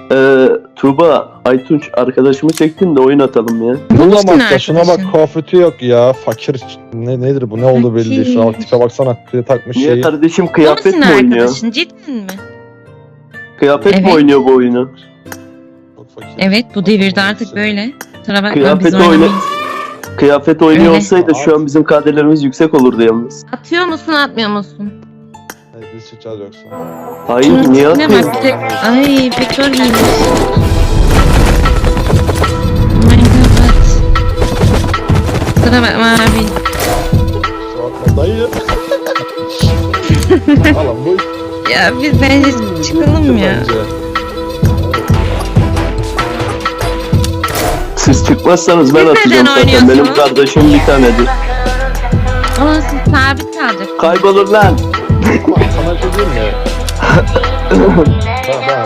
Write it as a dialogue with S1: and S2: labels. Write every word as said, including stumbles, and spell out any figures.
S1: Ee, Tuğba, Aytunç arkadaşımı çektin de oyun atalım ya.
S2: Bullamakta şuna bak,
S3: arkadaşım.
S2: kıyafeti yok ya. Fakir ne nedir bu, ne oldu belli değil. Şuna bak, tipe baksana, kıya takmış
S1: Niye
S2: şeyi.
S1: kardeşim,
S3: Bu
S1: kıyafet
S3: musun
S1: mi oynuyor?
S3: arkadaşın? Cidden mi?
S1: Kıyafet mi
S3: Evet.
S1: oynuyor bu oyunu?
S2: Çok fakir.
S3: Evet, bu devirde artık böyle. Kusura bakma,
S1: Kıyafet
S3: biz
S1: oyna-
S3: oynamayız.
S1: Kıyafet oynuyor
S3: Öyle.
S1: olsaydı şu an bizim kaderlerimiz yüksek olurdu yalnız.
S3: Atıyor musun, atmıyor musun?
S2: Hadi biz çıkacağız yoksa.
S1: Hayır,
S3: Şunun
S1: niye
S3: tipine
S1: atıyorsun?
S3: bak, bir de... Ay, petrol giymiş. Oh my god. Kusura bakma abi.
S2: Kusura bakma dayı. Alan bu
S3: Ya biz bence çıkalım ya.
S2: bence.
S1: Siz çıkmazsanız ben
S3: Siz
S1: atacağım
S3: neden
S1: zaten. Benim
S3: oynuyorsunuz?
S1: kardeşim bir tanedir.
S3: Ama siz sabit kalacak.
S1: Kaybolur lan.
S2: Ama sana bir şey diyeyim mi? Ben, ben